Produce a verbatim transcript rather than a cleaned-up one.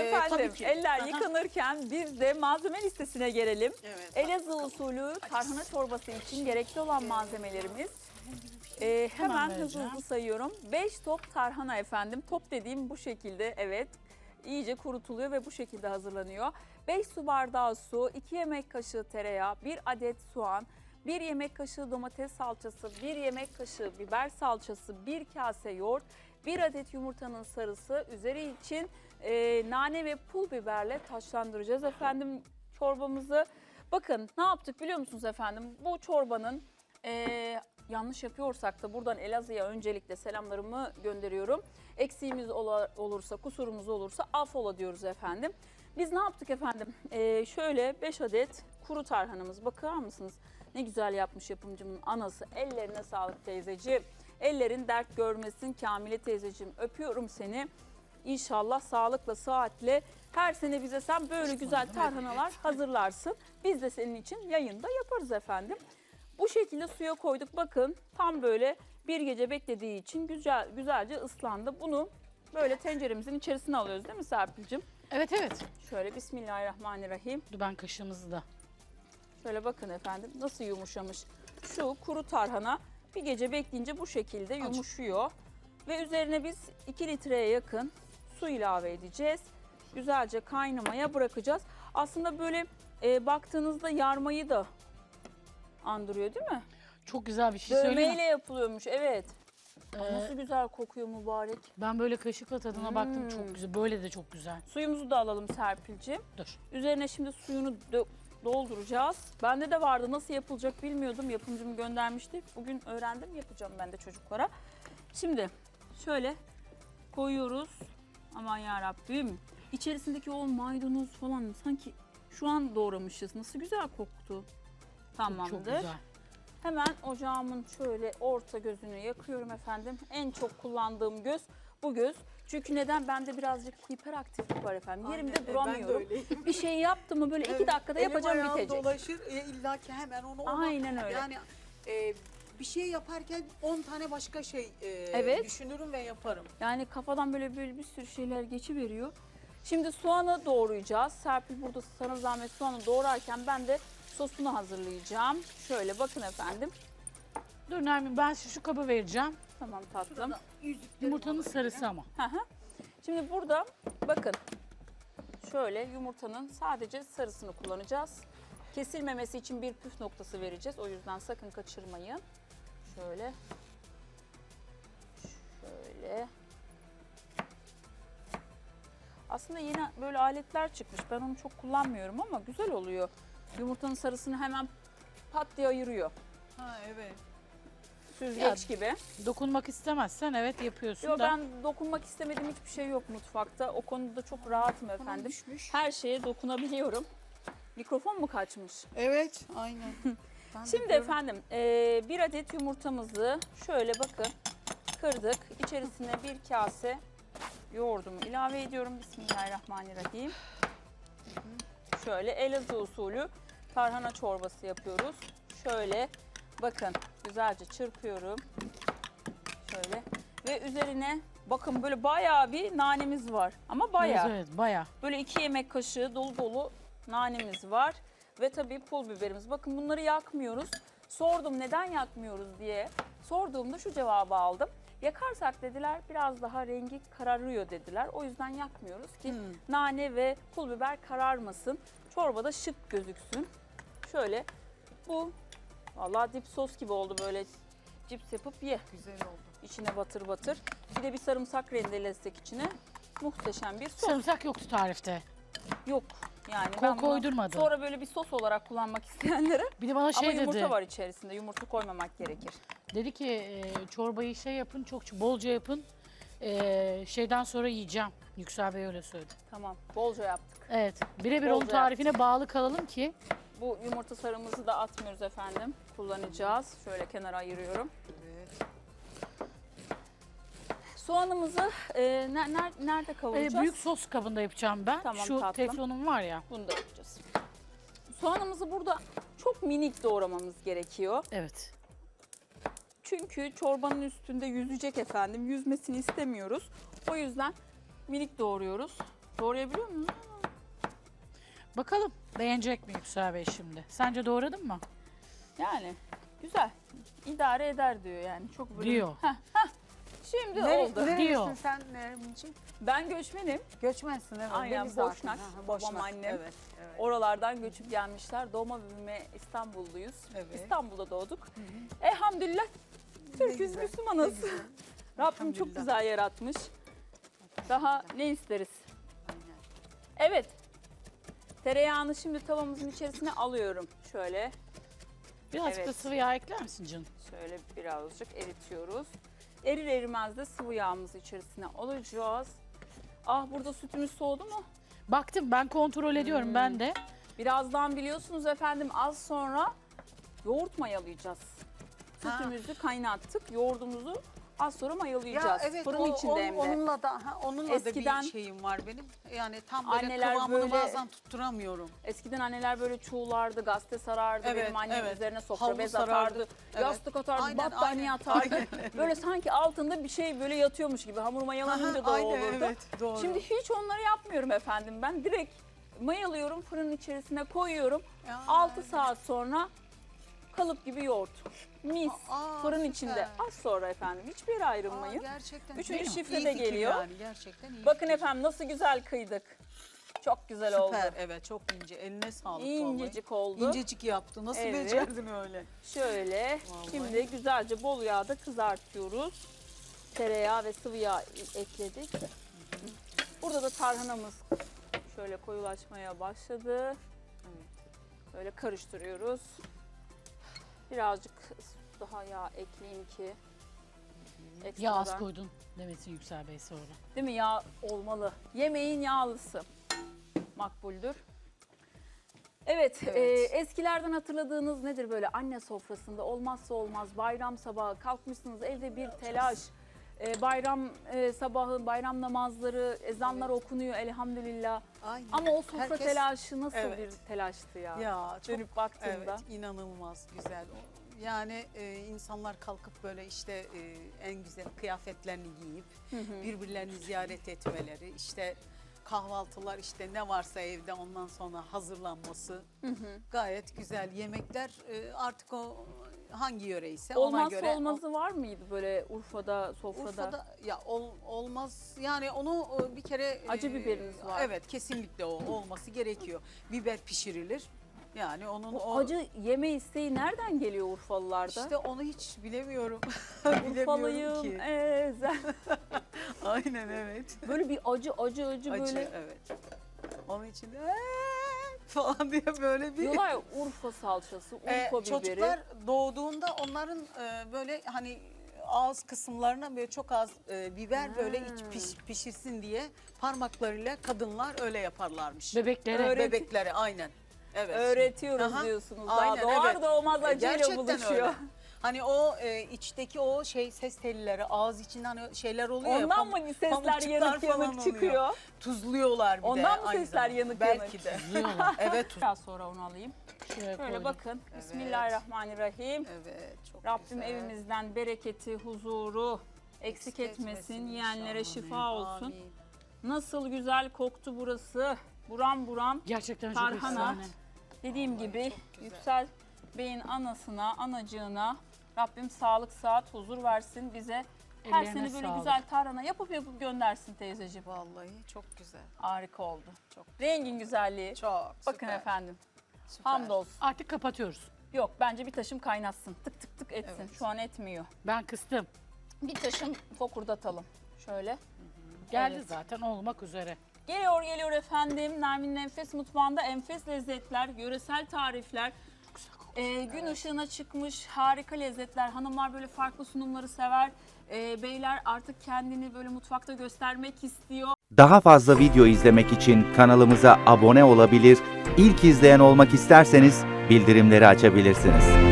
efendim tabii ki. eller Aha. yıkanırken biz de malzeme listesine gelelim. Evet. Elazığ usulü tarhana çorbası için gerekli olan malzemelerimiz. Ee, hemen Hemen hızlı vereceğim. hızlı sayıyorum. beş top tarhana efendim. Top dediğim bu şekilde, evet. İyice kurutuluyor ve bu şekilde hazırlanıyor. beş su bardağı su, iki yemek kaşığı tereyağı, bir adet soğan, bir yemek kaşığı domates salçası, bir yemek kaşığı biber salçası, bir kase yoğurt, bir adet yumurtanın sarısı, üzeri için e, nane ve pul biberle taşlandıracağız efendim çorbamızı. Bakın ne yaptık biliyor musunuz efendim? Bu çorbanın e, yanlış yapıyorsak da buradan Elazığ'a öncelikle selamlarımı gönderiyorum. Eksiğimiz ola, olursa, kusurumuz olursa affola diyoruz efendim. Biz ne yaptık efendim? E, şöyle beş adet kuru tarhanamız, bakar mısınız? Ne güzel yapmış yapımcımın anası. Ellerine sağlık teyzeciğim. Ellerin dert görmesin Kamile teyzeciğim. Öpüyorum seni. İnşallah sağlıkla, sıhhatle her sene bize sen böyle güzel tarhanalar hazırlarsın. Biz de senin için yayında yaparız efendim. Bu şekilde suya koyduk. Bakın tam böyle bir gece beklediği için güzel güzelce ıslandı. Bunu böyle tenceremizin içerisine alıyoruz değil mi Serpil'cim? Evet evet. Şöyle Bismillahirrahmanirrahim. Dur ben kaşığımızı da. Şöyle bakın efendim nasıl yumuşamış. Şu kuru tarhana bir gece bekleyince bu şekilde yumuşuyor. Ve üzerine biz iki litreye yakın su ilave edeceğiz. Güzelce kaynamaya bırakacağız. Aslında böyle e, baktığınızda yarmayı da andırıyor değil mi? Çok güzel bir şey söyleyeyim Dövmeyle mi? yapılıyormuş, evet. Ee, Nasıl güzel kokuyor mübarek. Ben böyle kaşıkla tadına Hmm. baktım, çok güzel. Böyle de çok güzel. Suyumuzu da alalım Serpil'ciğim. Dur. Üzerine şimdi suyunu dö- dolduracağız. Bende de vardı, nasıl yapılacak bilmiyordum. Yapımcım göndermişti. Bugün öğrendim, yapacağım ben de çocuklara. Şimdi şöyle koyuyoruz. Aman yarabbim. İçerisindeki o maydanoz falan sanki şu an doğramışız. Nasıl güzel koktu. Tamamdır. Çok güzel. Hemen ocağımın şöyle orta gözünü yakıyorum efendim. En çok kullandığım göz bu göz. Çünkü neden? Bende birazcık hiperaktiflik var efendim. Aynen, Yerimde e, duramıyorum. Ben de öyleyim. Bir şey yaptım mı böyle iki Evet, dakikada elim yapacağım ayağım bitecek. dolaşır e, illa ki hemen onu ona. Aynen öyle. Yani e, bir şey yaparken on tane başka şey e, Evet. düşünürüm ve yaparım. Yani kafadan böyle böyle bir sürü şeyler geçiveriyor. Şimdi soğanı doğrayacağız. Serpil burada sana zahmet soğanı doğrarken ben de sosunu hazırlayacağım. Şöyle bakın efendim. Dur Nermin, ben şu, şu kabı vereceğim. Tamam tatlım. Şurada yüzüklerim Yumurtanın olabilir. sarısı ama. Hı hı. Şimdi burada bakın şöyle yumurtanın sadece sarısını kullanacağız. Kesilmemesi için bir püf noktası vereceğiz. O yüzden sakın kaçırmayın. Şöyle. Şöyle. Aslında yeni böyle aletler çıkmış. Ben onu çok kullanmıyorum ama güzel oluyor. Yumurtanın sarısını hemen pat diye ayırıyor. Ha evet. Süzgeç gibi. Dokunmak istemezsen evet yapıyorsun Yo, da. ben dokunmak istemediğim hiçbir şey yok mutfakta. O konuda çok rahatım Tamam, efendim. düşmüş. Her şeye dokunabiliyorum. Mikrofon mu kaçmış? Evet aynen. Ben de Şimdi diyorum, efendim eee, bir adet yumurtamızı şöyle bakın kırdık. İçerisine bir kase yoğurdumu ilave ediyorum. Bismillahirrahmanirrahim. Şöyle Elazığ usulü tarhana çorbası yapıyoruz. Şöyle bakın güzelce çırpıyorum. Şöyle ve üzerine bakın böyle bayağı bir nanemiz var. Ama bayağı. Evet, evet bayağı. Böyle iki yemek kaşığı dolu dolu nanemiz var. Ve tabii pul biberimiz. Bakın bunları yakmıyoruz. Sordum neden yakmıyoruz diye. Sorduğumda şu cevabı aldım. Yakarsak dediler biraz daha rengi kararıyor dediler. O yüzden yakmıyoruz ki Hmm. nane ve pul biber kararmasın. Çorbada şık gözüksün. Şöyle bu vallahi dip sos gibi oldu, böyle cips yapıp ye. güzel oldu. İçine batır batır. Bir de bir sarımsak rendelesek içine muhteşem bir sos. Sarımsak yoktu tarifte. Yok yani Ko- ben bunu koydurmadı. sonra böyle bir sos olarak kullanmak isteyenlere Bir de bana ama şey yumurta dedi. var içerisinde, yumurta koymamak gerekir. Dedi ki e, çorbayı şey yapın, çok bolca yapın. E, şeyden sonra yiyeceğim. Yüksel Bey öyle söyledi. Tamam, bolca yaptık. Evet. Birebir Bolca onun tarifine bağlı kalalım ki. Bu yumurta sarımızı da atmıyoruz efendim. Kullanacağız. Şöyle kenara ayırıyorum. Evet. Soğanımızı e, ne- ner- nerede e, kavuracağız? büyük sos kabında yapacağım ben. Tamam, Şu tatlım. teflonum var ya. Bunu da yapacağız. Soğanımızı burada çok minik doğramamız gerekiyor. Evet. Çünkü çorbanın üstünde yüzecek efendim. Yüzmesini istemiyoruz. O yüzden minik doğruyoruz. Doğrayabiliyor musun? Bakalım beğenecek mi Yüksel Bey şimdi? Sence doğradın mı? Yani güzel. İdare eder diyor yani. Çok böyle. Diyor. Heh, heh. Şimdi Nere, oldu. nerelisin Diyor. sen Nermin'ciğim? Ben göçmenim. Göçmensin evet. Aynen, belli zaten. Boşnak. Ha, ha, Babam, annem. Evet, evet. Oralardan göçüp gelmişler. Doğma büyüme İstanbulluyuz. Evet. İstanbul'da doğduk. Elhamdülillah Türk'üz, güzel, Müslümanız. ne güzel. Rabbim çok Elhamdülillah. güzel yaratmış. Daha ne isteriz? Aynen. Evet. Tereyağını şimdi tavamızın içerisine alıyorum. Şöyle, Birazcık Evet. da sıvı yağ ekler misin canım? şöyle birazcık eritiyoruz. Erir erimez de sıvı yağımızı içerisine alacağız. Ah, burada sütümüz soğudu mu? Baktım, ben kontrol ediyorum Hmm. ben de. Birazdan biliyorsunuz efendim, az sonra yoğurt mayalayacağız. Ha. Sütümüzü kaynattık, yoğurdumuzu az sonra mayalayacağız. Ya evet Fırın o, içinde o- hem de. onunla da ha, onunla Eskiden- da bir şeyim var benim. Yani tam böyle Anneler kıvamını böyle- bazen tutturamıyorum. Eskiden anneler böyle çuğulardı, gazete sarardı, Evet, benim annem evet. üzerine sofra Havlu bez sarardı. atardı, Evet. yastık atardı, Aynen, battaniye aynen. atardı. Aynen. Böyle sanki altında bir şey böyle yatıyormuş gibi, hamur mayalanınca da o Aha, olurdu. aynen, evet, doğru. Şimdi hiç onları yapmıyorum efendim, ben direkt mayalıyorum, fırının içerisine koyuyorum. Ya, altı evet. saat sonra kalıp gibi yoğurt. Mis. Aa, Fırın süper. içinde. Az sonra efendim. Hiçbir yere Aa, ayrılmayın. gerçekten. Üçüncü Değil mi? şifre İyi de fikir geliyor. Yani, gerçekten iyi Bakın fikir. efendim nasıl güzel kıydık. Çok güzel Süper, oldu. evet çok ince. Eline sağlık İncecik oldu. vallahi. İncecik yaptı. Nasıl Evet. becerdin öyle? Şöyle Vallahi. şimdi güzelce bol yağda kızartıyoruz. Tereyağı ve sıvı yağ ekledik. Burada da tarhanamız şöyle koyulaşmaya başladı. Böyle karıştırıyoruz. Birazcık daha yağ ekleyeyim ki Yağ az ekstradan- koydun demesin Yüksel Bey sonra. Değil mi? Yağ olmalı. Yemeğin yağlısı makbuldür. Evet, Evet. e, eskilerden hatırladığınız nedir böyle anne sofrasında olmazsa olmaz bayram sabahı kalkmışsınız evde bir telaş. E, bayram e, sabahı bayram namazları, ezanlar Evet. okunuyor elhamdülillah. Aynen. Ama o sofra Herkes- telaşı nasıl Evet. bir telaştı ya. Ya çok Dönüp baktığımda. evet inanılmaz güzel. O- Yani e, insanlar kalkıp böyle işte e, en güzel kıyafetlerini giyip Hı hı. birbirlerini ziyaret etmeleri, işte kahvaltılar işte ne varsa evde ondan sonra hazırlanması Hı hı. gayet güzel. Yemekler e, artık o hangi yöreyse ona Olmazsa göre. olmazı var mıydı böyle Urfa'da, sofrada? Urfa'da ya ol- olmaz yani onu e, bir kere Acı e, biberiniz var. Evet kesinlikle o olması gerekiyor. Biber pişirilir. Yani onun Bu o acı yeme isteği nereden geliyor Urfalılarda? işte onu hiç bilemiyorum. Bilemiyorum Urfalıyım, ki. ezel. Aynen evet. Böyle bir acı acı acı, Acı böyle evet. Onun için de "Eee" falan diye böyle bir diyorlar ya Urfa salçası, Urfa Ee, biberi. çocuklar doğduğunda onların e, böyle hani ağız kısımlarına böyle çok az e, biber Ha. böyle iç piş- pişirsin diye parmaklarıyla kadınlar öyle yaparlarmış. Bebeklere Öğret- Bebekleri aynen. Evet. Öğretiyoruz Aha, diyorsunuz. aynen, Daha doğar evet. doğmaz E, acıyla gerçekten buluşuyor. öyle. Hani o e, içteki o şey ses telleri ağız içinde hani şeyler oluyor ya. Ondan pam- mı sesler pamukçuklar yanık falan yanık oluyor. çıkıyor? Tuzluyorlar bir de. Ondan mı aynı sesler zamanda. yanık Belki yanık? de. yiyorlar. Evet. tuz- Biraz sonra onu alayım. Şöyle Şöyle koydum. bakın. Evet. Bismillahirrahmanirrahim. Evet. Çok Rabbim güzel. evimizden bereketi, huzuru eksik etmesin. Yiyenlere inşallah. şifa olsun. Amin. Nasıl güzel koktu burası. Buram buram. Gerçekten çok Tarhana. efsane. Dediğim gibi çok güzel. Yüksel Bey'in anasına, anacığına Rabbim sağlık, sıhhat, huzur versin bize. Her Ellerine sene böyle sağlık. güzel tarhana yapıp yapıp göndersin teyzeciğim. Vallahi çok güzel. Harika oldu. Çok Rengin güzelliği. Çok Bakın süper, efendim. süper. Hamdolsun. Artık kapatıyoruz. Yok bence bir taşım kaynatsın. Tık tık tık etsin. Evet. Şu an etmiyor. Ben kıstım. Bir taşım fokurdatalım. Şöyle. Geldi Evet. zaten olmak üzere. Geliyor geliyor efendim. Nermin'in Enfes Mutfağı'nda enfes lezzetler, yöresel tarifler. Ee, gün ışığına çıkmış harika lezzetler. Hanımlar böyle farklı sunumları sever. Ee, beyler artık kendini böyle mutfakta göstermek istiyor. Daha fazla video izlemek için kanalımıza abone olabilir, ilk izleyen olmak isterseniz bildirimleri açabilirsiniz.